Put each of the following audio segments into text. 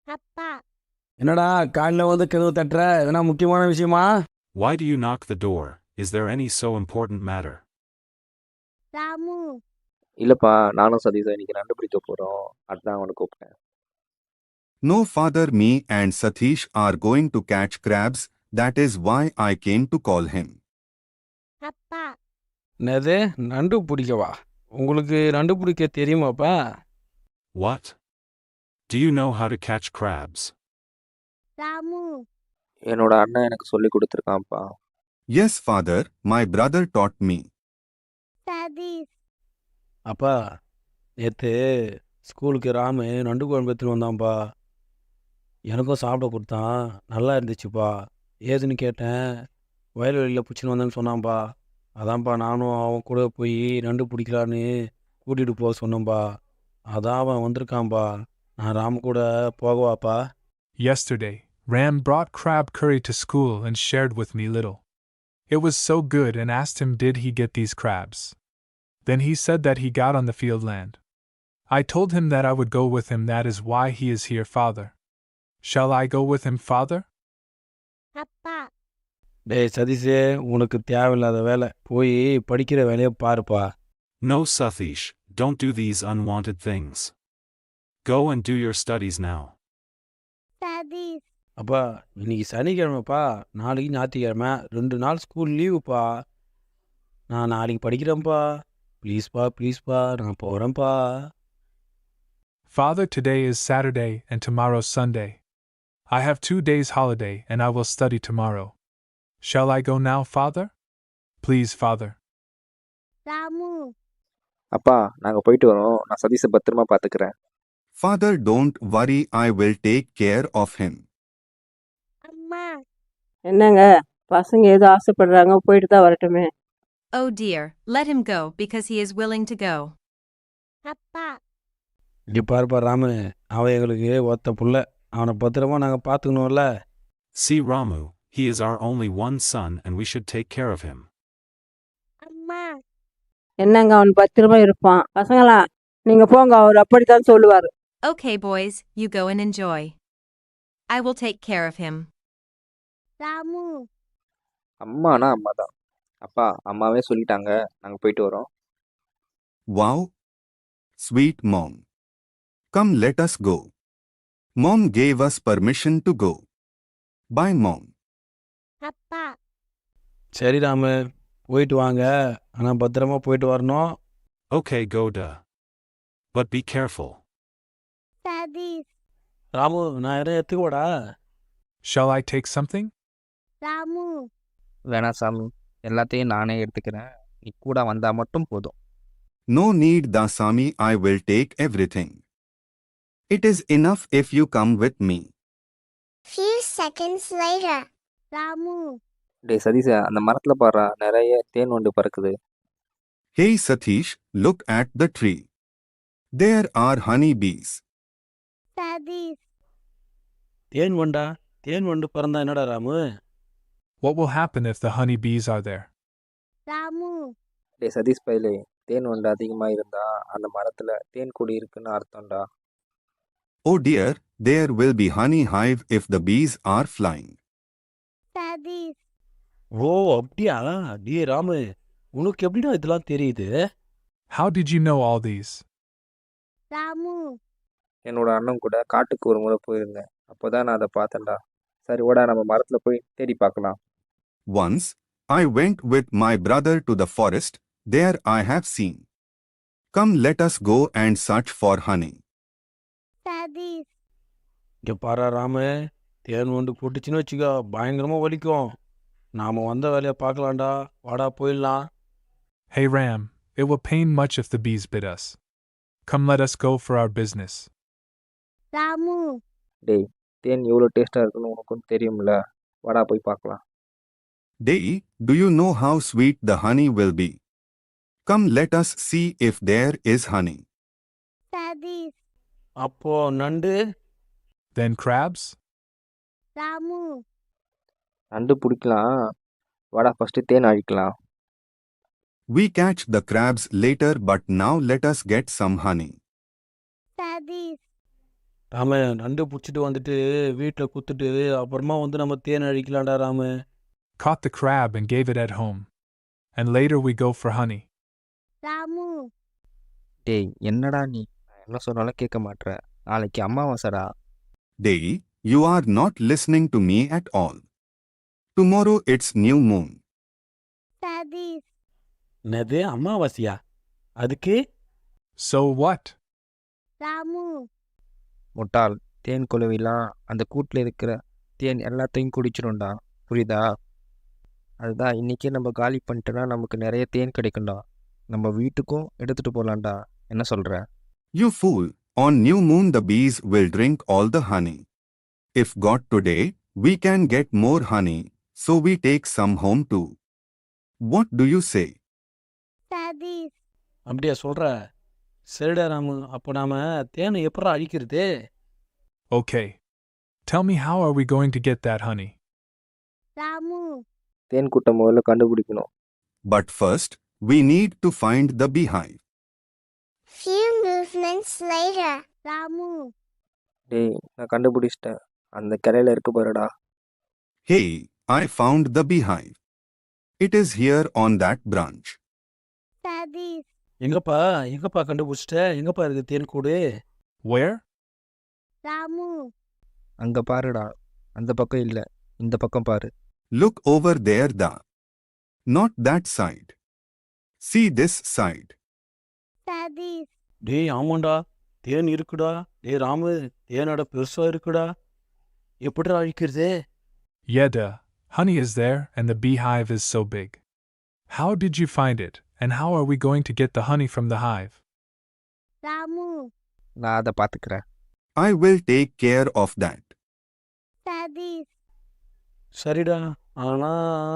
அப்பா என்னடா காலைல வந்து கதவு தட்டுற? எதனா முக்கியமான விஷயமா? Why do you knock the door? Is there any so important matter? Ramu இல்லப்பா, நானும் சதீஷும் இன்னைக்கு நண்டு பிடிக்க போறோம். அதான் அவனை கூப்பிட்டேன். No, father, me and Satish are going to catch crabs. That is why I came to call him. அப்பா என்னது நண்டு பிடிக்கவா? உங்களுக்கு நண்டு பிடிக்க தெரியுமாப்பா? What? Do you know how to catch crabs? Ramu என்னோட அண்ணன் எனக்கு சொல்லி கொடுத்துருக்கான்ப்பா. Yes, father, my brother taught me. Satish அப்பா நேற்று ஸ்கூலுக்கு ராமு நண்டு குழம்பு எடுத்துட்டு வந்தான்ப்பா. எனக்கும் சாப்பிட கொடுத்தான். நல்லா இருந்துச்சுப்பா. ஏதுன்னு கேட்டேன். வயல்வெளியில் பிடிச்சின்னு வந்தேன்னு சொன்னான்ப்பா. அதான்ப்பா நானும் அவன் கூட போய் நண்டு பிடிக்கலான்னு கூட்டிகிட்டு போக சொன்னேன்ப்பா. அதான் அவன் வந்திருக்கான்ப்பா. நான் ராமு கூட போகவாப்பா? Yesterday, Ram brought crab curry to school and shared with me little. It was so good and asked him did he get these crabs. Then he said that he got on the field land. I told him that I would go with him, that is why he is here, father. Shall I go with him, father? அப்பா டேய் சதீஷே, உனக்கு தேவையில்லாத வேலை. போய் படிக்கிற வேலையை பாருப்பா. No, Satish, don't do these unwanted things. Go and do your studies now. Satish அப்பா இன்னைக்கு சனிக்கிழமைப்பா, நாளைக்கு ஞாயிற்றுக்கிழமை, 2 நாள் ஸ்கூல் லீவுப்பா. நான் நாளைக்கு படிக்கிறேன்ப்பா. ப்ளீஸ்ப்பா நான் போகிறேன்ப்பா. Father, today is Saturday and tomorrow Sunday. I have 2 days holiday and I will study tomorrow. Shall I go now, father? Please, father. Ramu அப்பா, நாங்க போயிட்டு வரோம். நான் சதீஷை பத்திரமா பாத்துக்கிறேன். Father, don't worry, I will take care of him. அம்மா என்னங்க பசங்க ஏதோ ஆசைப்படுறாங்க, போயிட்டு தான் வரட்டுமே. Oh dear, let him go because he is willing to go. அப்பா இங்கே பாருப்பா ராமு, அவன் எங்களுக்கு ஒத்த புள்ள. அவனை பத்திரமா நாங்கள் பார்த்துக்கணும்ல. See Ramu, he is our only one son and we should take care of him. அம்மா என்னங்க அவன் பத்திரமா இருப்பான். பசங்களா நீங்க போங்க, அவர் அப்படித்தான் சொல்லுவாரு. Okay, boys, you go and enjoy. I will take care of him. Ramu அம்மானா அம்மா தான். அப்பா, அம்மாவே சொல்லிட்டாங்க. நாங்க போயிட்டு வரோம். Wow! Sweet mom. Come, let us go. Mom gave us permission to go. Bye, mom. அப்பா சரி ராமு, போயிட்டு வாங்க. ஆனால் பத்திரமா போயிட்டு வரணும். Okay, go da. But be careful. Satish Ramu, நான் எதாவது எடுத்துக்கோடா? Shall I take something? Ramu வேணா சாமி, எல்லாத்தையும் நானே எடுத்துக்கிறேன். நீ கூட வந்தா மட்டும் போதும். No need, Dasami, I will take everything. It is enough if you come with me. few seconds later Ramu டேய் சதீஷ, அந்த மரத்துல பாரு, நிறைய தேன் வண்டு பறக்குது. Hey Satish, look at the tree. There are honey bees. Satish தேன் வண்டா? தேன் வண்டு பிறந்தா என்னடா Ramu? What will happen if the honey bees are there? Ramu டேய் சதீஷ் பையலே, தேன் வண்டு அதிகமா இருந்தா அந்த மரத்துல தேன் கூடி இருக்குன்னு அர்த்தம்டா. Oh dear, there will be honey hive if the bees are flying. Satish ஓ அப்படியா? டே ராமு, உனக்கு எப்படிடா இதெல்லாம் தெரியுது? How did you know all these? Ramu என்னோட அண்ணன் கூட காட்டுக்கு ஒரு முறை போயிருந்தேன். அப்போதான் நான் அதை பார்த்தேன்டா. சரி ஓடா, நம்ம மரத்துல போய் தேடி பார்க்கலாம். Once, I went with my brother to the forest. There I have seen. Come, let us go and search for honey. Satish இங்கே பாரா ராமு, தேன் வண்டு போட்டுச்சுன்னு வச்சுக்கோ, பயங்கரமாக வலிக்கும். நாம் வந்த வேலையை பார்க்கலாம்டா. வாடா போயிடலாம். Hey Ram, it will pain much if the bees bit us. Come, let us go for our business. Ramu டேய், தேன் எவ்வளோ டேஸ்டா இருக்குன்னு உனக்கும் தெரியும்ல. வாடா போய் பார்க்கலாம். Day, do you know how sweet the honey will be? Come, let us see if there is honey. Satish அப்போ நண்டு? Then crabs? ராமு நண்டு பிடிக்கலாம். வாடா ஃபர்ஸ்ட் தேன் அழிக்கலாம். We catch the crabs later, but now let us get some honey. Sathish Ramu நண்டு பிடிச்சிட்டு வந்துட்டு வீட்டில் குத்துட்டு அப்புறமா வந்து நம்ம தேன் அழிக்கலாம்டா Ramu. Caught the crab and gave it at home. And later we go for honey. Ramu டேய் என்னடா நீ, நான் என்ன சொன்னாலும் கேட்க மாட்ற. நாளைக்கு அமாவாசைடா. Day, you are not listening to me at all. Tomorrow it's new moon. Satish என்னது அமாவாசையா? அதுக்கு So what? ராமு முட்டாள், தேன் குளவிலாம் அந்த கூட்டில் இருக்கிற தேன் எல்லாத்தையும் குடிச்சிடும்டா, புரியுதா? அதுதான் இன்னைக்கே நம்ம காலி பண்ணிட்டோன்னா நமக்கு நிறைய தேன் கிடைக்கும்டா. நம்ம வீட்டுக்கும் எடுத்துட்டு போகலாம்டா. என்ன சொல்ற? You fool, on new moon the bees will drink all the honey. If got today, we can get more honey, so we take some home too. What do you say? Satish அப்படியா சொல்கிற? சரிடா ராமு, அப்போ நாம் தேனை எப்படா அழிக்கிறது? Okay. Tell me, how are we going to get that honey? Ramu தேன் கூட்டம் முதல்ல கண்டுபிடிக்கணும். But first, we need to find the beehive. few movements later Ramu டேய் நான் கண்டுபிடிச்சிட்டேன், அந்த கிளையில இருக்கு பாருடா. Hey, I found the beehive. It is here on that branch. Satish எங்கப்பா கண்டுபிடிச்சிட்ட? எங்கப்பா இருக்குது தேன் கூடு? Where? ராமு அங்க பாருடா, அந்த பக்கம் இல்லை, இந்த பக்கம் பாரு. Look over there, da. Not that side. See this side. Satish டேய் ஆமாண்டா, தேன் இருக்குடா. டேய் ராமு, தேனோட பெருசாக இருக்குடா. எப்படிடா அழிக்கிறது? Yeah, duh. Honey is there and the beehive is so big. How did you find it, and how are we going to get the honey from the hive? Ramu நான் அதை பார்த்துக்கிறேன். I will take care of that. Satish சரிடா, ஆனா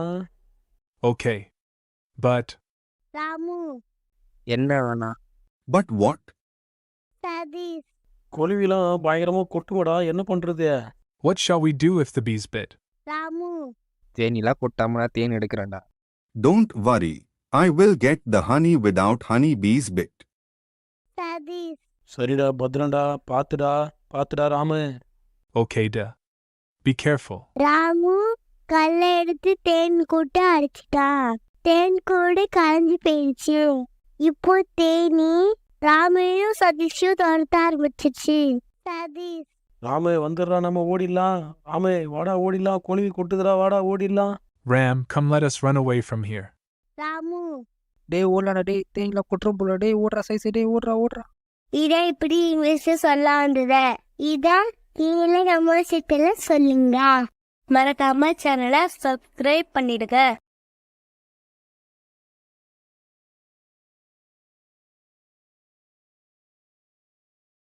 Okay. But, Ramu என்ன வேணா? But what? Satish கொலுவிலாம் பயங்கரமாக கொட்டுமடா, என்ன பண்ணுறது? what shall we do if the bees bit? Ramu தேனிலாம் கொட்டாமனா than எடுக்கிறேன்டா. Don't worry. I will get the honey without honey bees bit. Satish சரிடா, பத்திரம்டா, பார்த்துடா Ramu. Okay, duh. Be careful. Ramu கல்லை எடுத்து தேன் கூட்டு அடிச்சிட்டான். தேன் கூடு கரைஞ்சி போயிடுச்சு. இப்போ தேனி ராமையும் சதீஷையும் துரத்த ஆரம்பிச்சிச்சு. சதீஷ் ராமு வந்துடுறா, நம்ம ஓடிடலாம். ராமு வாடா ஓடிடலாம், கொலுவி கொட்டுதுடா, வாடா ஓடிடலாம். Ram, come let us run away from here. Ramu டேய் ஓடலாடா, டேய் தேனிலாம் கொட்டுறோம் போல. டேய் ஓடுறா சைஸ், டேய் ஓடுறா. இதை இப்படி இங்கிலீஷ் சொல்ல வந்தத இதான் நீங்களே நம்ம சிட்டில சொல்லுங்க. மறக்காம சேனலை சப்ஸ்கிரைப் பண்ணிடுங்க.